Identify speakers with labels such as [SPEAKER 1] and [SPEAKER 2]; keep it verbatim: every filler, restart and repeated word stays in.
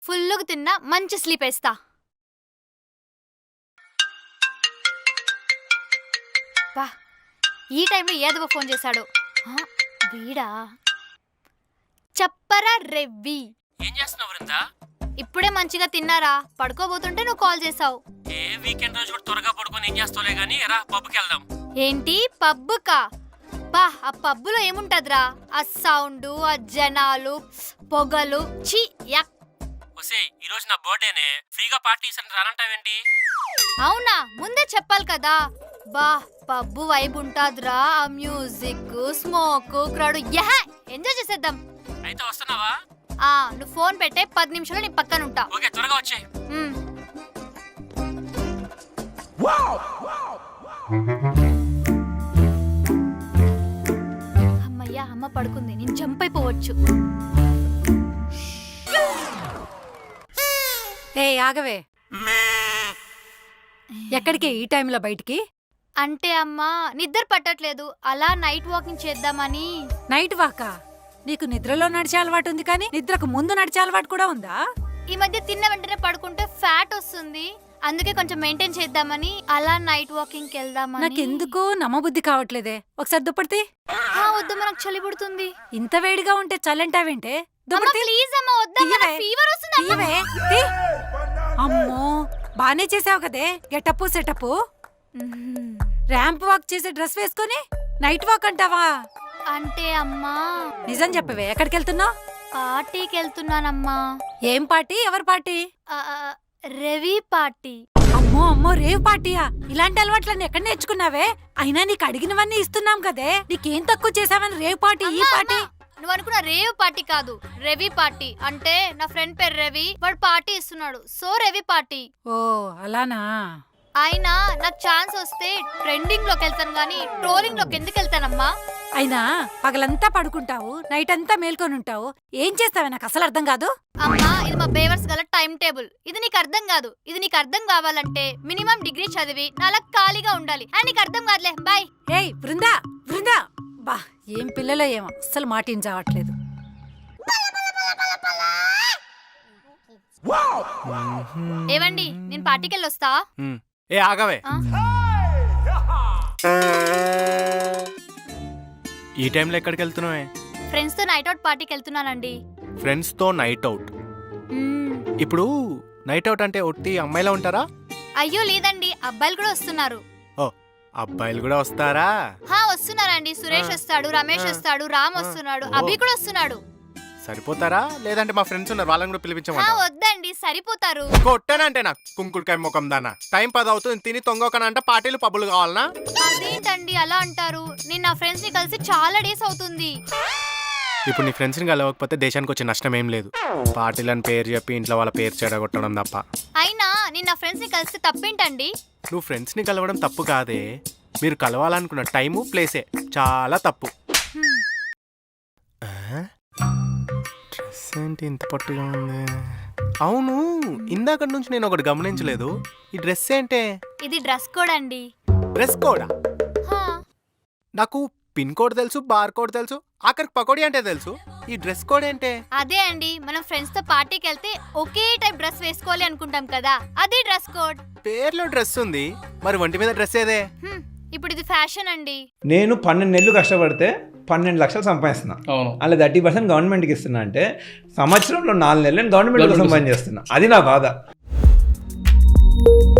[SPEAKER 1] ఫుల్లుగా తిన్నా మంచి స్లీప్ వేస్తా. బా ఈ టైంలో ఏదో ఫోన్ చేశాడు. వీడా? చెప్పరా రెవ్వి,
[SPEAKER 2] ఏం చేస్తున్నావు వృందా?
[SPEAKER 1] ఇప్పుడే మంచిగా తిన్నారా, పడుకోబోతుంటే నువ్వు కాల్ చేసావు.
[SPEAKER 2] ఏ వీకెండ్ రోజు కూడా త్వరగా పడుకొని ఏం చేస్తావులే గానీ రా పబ్కి వెళ్దాం.
[SPEAKER 1] ఏంటి పబ్బుకా? బా ఆ పబ్బులో ఏముంటదిరా? ఆ సౌండ్, ఆ జనాలు, పొగలు, ఛీ యక్.
[SPEAKER 2] ఒసేయ్ ఈ రోజు నా బర్త్డేనే, ఫ్రీగా పార్టీ ఇస్తాను రానంటావేంటి?
[SPEAKER 1] అవునా, ముందే చెప్పాలి కదా. బా పబ్బు వైబ్ ఉంటాదిరా, ఆ music, smoke, crowd, yeah enjoy చేసేద్దాం.
[SPEAKER 2] అయితే వస్తున్నావా?
[SPEAKER 1] ఆ నువ్వు ఫోన్ పెట్టే పది నిమిషాలు నీ పక్కన ఉంటా.
[SPEAKER 2] ఓకే త్వరగా వచ్చేయ్.
[SPEAKER 1] అమ్మయ్యా, అమ్మ పడుకుంది, నేను జంప్ అయిపోవచ్చు.
[SPEAKER 3] ఏ ఆగవే, ఎక్కడికి ఈ టైంలో బయటికి?
[SPEAKER 1] అంటే అమ్మా నిద్ర పట్టట్లేదు, అలా నైట్ వాకింగ్ చేద్దామని.
[SPEAKER 3] నైట్ వాకా? నీకు నిద్రలో నడిచే అలవాటు ఉంది కానీ నిద్రకు ముందు నడిచే అలవాటు కూడా ఉందా?
[SPEAKER 1] ఈ మధ్య తిన్న వెంటనే పడుకుంటే ఫ్యాట్ వస్తుంది, అందుకే కొంచెం మెయింటైన్ చేద్దామని అలా నైట్ వాకింగ్ వెళ్దామని.
[SPEAKER 3] నాకెందుకో నమ్మబుద్ధి కావట్లేదే. ఒకసారి దుప్పటి
[SPEAKER 1] వద్దు, మనకు చలి పుడుతుంది.
[SPEAKER 3] ఇంత వేడిగా ఉంటే చల్లంటావేంటే?
[SPEAKER 1] ప్లీజ్ అమ్మా, వద్దా, ఫీవర్ వస్తుంది.
[SPEAKER 3] అమ్మో బానే చేసావు కదే గెటప్ సెటప్. ర్యాంప్ వాక్ చేసే డ్రెస్ వేసుకొని నైట్ వాక్ అంటావా?
[SPEAKER 1] అంటే అమ్మా
[SPEAKER 3] నిజం చెప్పవే, ఎక్కడికి వెళ్తున్నావు?
[SPEAKER 1] పార్టీకి వెళ్తున్నానమ్మా.
[SPEAKER 3] ఏం పార్టీ? ఎవరి పార్టీ?
[SPEAKER 1] రవి పార్టీ.
[SPEAKER 3] అమ్మో అమ్మో, రేవ్ పార్టీయా? ఇలాంటి అలవాట్లన్నీ ఎక్కడ నేర్చుకున్నావే? అయినా నీకు అడిగినవన్నీ ఇస్తున్నాం కదే, నీకేం తక్కువ చేసావని రేవ్ పార్టీ ఈ పార్టీ?
[SPEAKER 1] నువ్వు అనుకున్న రేవ్ పార్టీ కాదు, రవి పార్టీ. అంటే నా ఫ్రెండ్ పేరు రవి, వాడు పార్టీ ఇస్తున్నాడు, సో రవి పార్టీ.
[SPEAKER 3] ఓ అలానా?
[SPEAKER 1] అయినా నాకు ఛాన్స్ వస్తే ట్రెండింగ్ లోకి వెళ్తాను గానీ ట్రోలింగ్ లోకి ఎందుకు వెళ్తానమ్మా?
[SPEAKER 3] అయినా పగలంతా పడుకుంటావు, నైట్ అంతా మేల్కొని ఉంటావు, ఏం చేస్తావే నాకు అసలు అర్థం కాదు.
[SPEAKER 1] అమ్మా ఇది మా బేవర్స్ గల టైం టేబుల్, ఇది నీకు అర్థం కాదు. ఇది నీకు అర్థం కావాలంటే మినిమం డిగ్రీ చదివి నాలా ఖాళీగా ఉండాలి. అని నీకు అర్థం కాదులే, బాయ్.
[SPEAKER 3] ఏయ్ బృందా బృందా, బా ఏం పిల్లలో ఏమో అస్సలు మాటించవట్లేదు.
[SPEAKER 1] ఏవండి, నేను పార్టీకి వెళ్ళి వస్తా.
[SPEAKER 2] ఏ ఆగవే, ఈ టైంలో ఎక్కడికి వెళ్తున్నావే?
[SPEAKER 1] ఫ్రెండ్స్ తో నైట్ అవుట్ పార్టీకి వెళ్తున్నానండి.
[SPEAKER 2] ఫ్రెండ్స్ తో నైట్ అవుట్? ఇప్పుడు నైట్ అవుట్ అంటే ఒట్టి అమ్మాయిలా ఉంటారా?
[SPEAKER 1] అయ్యో లేదండి, అబ్బాయిలు కూడా వస్తున్నారు.
[SPEAKER 2] ఓ అబ్బాయిలు కూడా వస్తారా?
[SPEAKER 1] హా వస్తున్నారండి, సురేష్ వస్తాడు, రమేష్ వస్తాడు, రామ్ వస్తున్నాడు, అభి కూడా వస్తున్నాడు.
[SPEAKER 2] సరిపోతారా? లేదంటే మా ఫ్రెండ్స్ ఉన్నారు, వాళ్ళని కూడా పిలిపించమంటావా?
[SPEAKER 1] వద్దండి, సరిపోతారు.
[SPEAKER 2] కొట్టానంటే నాకు కుంకుడుకాయ ముఖం దానా. టైం పది అవుతుంది, తిని తొంగొకనంట పార్టీలు పబ్బులు కావాలనా?
[SPEAKER 1] అదేంటండి అలా అంటారు? నేను నా ఫ్రెండ్స్ ని కలిసి చాలా డేస్ అవుతుంది.
[SPEAKER 2] ఇప్పుడు నీ ఫ్రెండ్స్ ని కలవకపోతే దేశానికి వచ్చే నష్టం ఏం లేదు. పార్టీలని పేరు చెప్పి ఇంట్లో వాళ్ళ పేరు చెడగొట్టడం తప్ప.
[SPEAKER 1] అయినా నేను నా ఫ్రెండ్స్ ని కలిసి తప్పేంటండి?
[SPEAKER 2] నువ్వు ఫ్రెండ్స్ ని కలవడం తప్పు కాదే, మీరు కలవాలనుకున్న టైము ప్లేసే చాలా తప్పు. డ్రెస్ ఏంటి ఇంత పట్టుగా ఉంది? అవును, ఇందాక నుంచి నేను ఒకటి గమనించలేదు, ఈ డ్రెస్ ఏంటే?
[SPEAKER 1] ఇది డ్రెస్ కోడ్ అండి.
[SPEAKER 2] డ్రెస్ కోడా? నాకు పిన్ కోడ్ తెలుసు, బార్ కోడ్ తెలుసు, ఆఖరికి పకోడీ అంటే తెలుసు, ఈ డ్రెస్ కోడ్ ఏంటే?
[SPEAKER 1] అదే అండి, మనం ఫ్రెండ్స్ తో పార్టీకి వెళ్తే ఒకే టైప్ డ్రెస్ వేసుకోవాలి అనుకుంటాం కదా, అదే డ్రెస్ కోడ్.
[SPEAKER 2] పేర్లో డ్రెస్ ఉంది, మరి ఒంటి మీద డ్రెస్ ఏదే?
[SPEAKER 1] ఇప్పుడు ఇది ఫ్యాషన్ అండి.
[SPEAKER 4] నేను పన్నెండు నెలలు కష్టపడితే పన్నెండు లక్షలు సంపాదిస్తున్నా, అలా థర్టీ పర్సెంట్ గవర్నమెంట్కి ఇస్తున్నా. అంటే సంవత్సరంలో నాలుగు నెలలు నేను గవర్నమెంట్ కోసం పని చేస్తున్నా, అది నా బాధ.